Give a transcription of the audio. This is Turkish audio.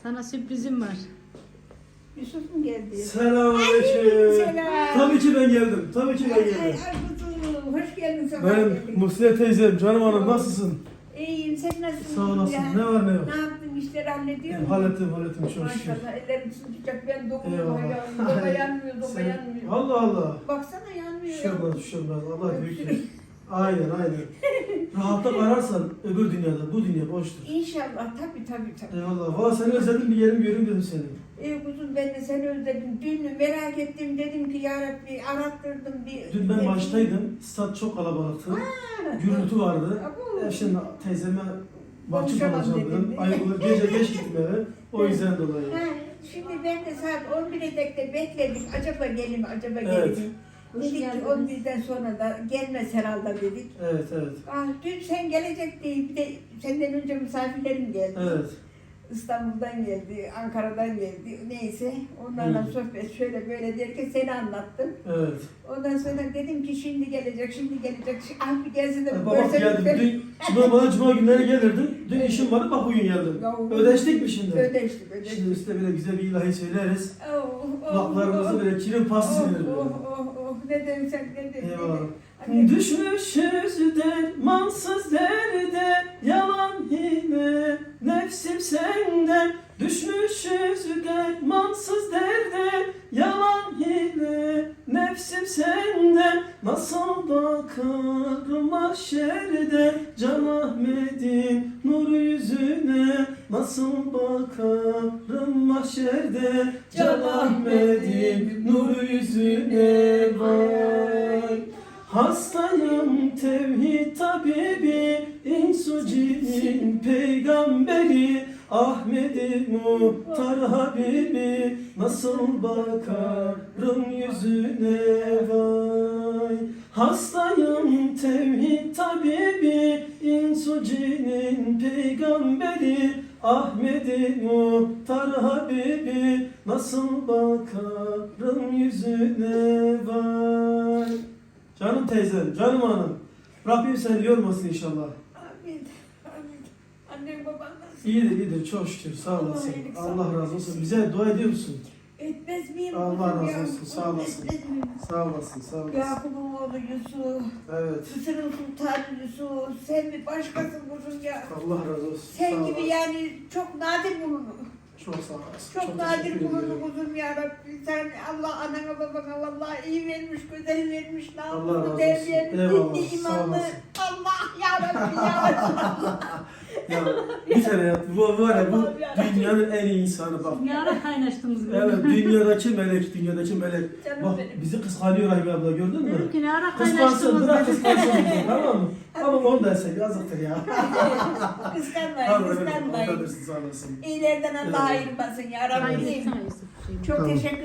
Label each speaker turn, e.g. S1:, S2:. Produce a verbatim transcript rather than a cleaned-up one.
S1: Sana sürprizim var.
S2: Yusuf mu geldi?
S3: Selamünaleyküm.
S2: Selam.
S3: Tabii ki ben geldim. Tabii ki ben
S2: Ay, ay,
S3: geldim.
S2: ay, kuzum, hoş geldin sabah
S3: Benim
S2: geldin.
S3: Muhsine teyzem, canım hanım nasılsın?
S2: İyiyim, sen nasılsın?
S3: Sağ olasın.
S2: Ya?
S3: Ne var ne yok?
S2: Ne yaptın, işleri hallediyor musun?
S3: Hallettim hallettim çok şükür.
S2: Maşallah, ellerim sıcak, ben dokunuyorum,
S3: Eyvallah.
S2: ayağım, doba yanmıyor, doba
S3: Sen-
S2: yanmıyor.
S3: Allah Allah.
S2: Baksana yanmıyor ya.
S3: Düşürmez düşürmez. Allah büyüktür. Aynen aynen. Rahatlık ararsan öbür dünyada, bu dünya boştur.
S2: İnşallah, tabii tabii tabii.
S3: Eyvallah. Valla seni özledim, bir yerim göreyim dedim seni.
S2: Ey kuzum, ben de seni özledim. Dün merak ettim, dedim ki ya Rabbi arattırdım bir...
S3: Dün ben
S2: bir-
S3: maçtaydım. Stat çok kalabalıktı.
S2: Ha,
S3: Gürültü vardı.
S2: Abo.
S3: E şimdi teyzeme mahcup
S2: Konuşamam
S3: olacağım
S2: dedim.
S3: dedim. Ayıp olur. Gece geç gittim eve. O yüzden dolayı.
S2: Ha, şimdi ben de saat on bire dek de bekledik. Acaba gelir mi, acaba gelir
S3: Evet.
S2: mi?
S1: Hoş
S2: Dedik ki
S1: geldiniz.
S2: on birden sonra da gelmez herhalde dedik.
S3: Evet evet.
S2: Ah, dün sen gelecek diye bir de senden önce misafirlerim geldi.
S3: Evet.
S2: İstanbul'dan geldi, Ankara'dan geldi. Neyse onlarla
S3: Hı.
S2: sohbet şöyle böyle derken seni anlattım.
S3: Evet.
S2: Ondan sonra dedim ki şimdi gelecek, şimdi gelecek. Ah bir gelsin de
S3: E,
S2: bir
S3: Baba
S2: görsen
S3: geldim.
S2: de-
S3: Dün cuma, bana cuma günleri gelirdim. Dün işim vardı bak bugün geldim.
S2: Ya,
S3: Ödeştik mi şimdi?
S2: Ödeştik, ödeştik.
S3: Şimdi üstte böyle güzel bir ilahi söyleriz.
S2: Oh, oh,
S3: Kulaklarımızı
S2: oh.
S3: böyle kirin pastası
S2: Oh,
S3: verir böyle.
S2: oh, oh, oh. Ne dersen ne dersen.
S3: Eyvallah.
S2: Anne,
S3: Düşmüşüz dermansız derde, yalan hile, nefsim senden. Düşmüşüz dermansız derde, yalan hile, nefsim senden. Nasıl bakarım mahşerde, Can Ahmet'in nur yüzüne. Nasıl bakarım mahşerde, Can Ahmet'in nur yüzüne. Vay. Hastayım tevhid tabibi, insu cinin peygamberi, Ahmet-i Muhtar Habibi, nasıl bakarım yüzüne vay. Hastayım tevhid tabibi, insu cinin peygamberi, Ahmet-i Muhtar Habibi, nasıl bakarım yüzüne vay. Canım teyzem, canım hanım. Rabbim seni yormasın inşallah.
S2: Amin. Amin. Annem baban nasıl?
S3: İyidir, iyidir. Çok şükür. Sağ
S2: Allah
S3: olasın.
S2: iyilik,
S3: Allah
S2: sağlık
S3: razı olsun.
S2: versin.
S3: Bize dua ediyor musun?
S2: Etmez miyim?
S3: Allah
S2: kuzum
S3: razı
S2: ya?
S3: olsun, sağ olasın.
S2: Etmez miyim?
S3: Sağ olasın, sağ olasın.
S2: Yakup'un oğlu Yusuf.
S3: Evet.
S2: Mısır'ın sultanı Yusuf. Sen bir başkasın kuzum ya.
S3: Allah razı olsun.
S2: Sen
S3: sağ
S2: gibi
S3: olasın.
S2: yani çok nadir bulunur.
S3: Çok sağ olasın.
S2: Çok, nadir
S3: teşekkür
S2: bulunur
S3: ederim.
S2: kuzum ya Rabbi. Sen Allah anana babana vallahi iyi vermiş, güzel vermiş.
S3: Allah razı
S2: Namuslu,
S3: olsun.
S2: değerli,
S3: Eyvallah,
S2: dinli,
S3: sağ
S2: imanlı.
S3: olasın.
S2: Allah ya Rabbi ya.
S3: Ya bir tane ya, bu var ya bu
S2: Allah'ım ya.
S3: dünyanın en iyi insanı bak.
S1: Ne ara kaynaştınız böyle?
S3: Evet, dünyadaki melek, dünyadaki melek.
S2: Canım
S3: Bak
S2: benim.
S3: bizi kıskanıyor Rahime abla, gördün mü?
S1: Dedim ki ne ara
S3: Kıskansın,
S1: kaynaştınız
S3: bırak
S1: böyle?
S3: kıskansın bizi, tamam mı? Ama onu dersek yazıktır ya.
S2: Kıskanmayın,
S3: Tamam, evet,
S2: kıskanmayın.
S3: ortadasın, sağ olasın.
S2: İyilerden Allah
S3: Evet.
S2: ayırmasın ya Rabbi.
S1: Kaydetsene Yusuf. şeyini.
S2: Çok
S3: Tamam.
S2: teşekkür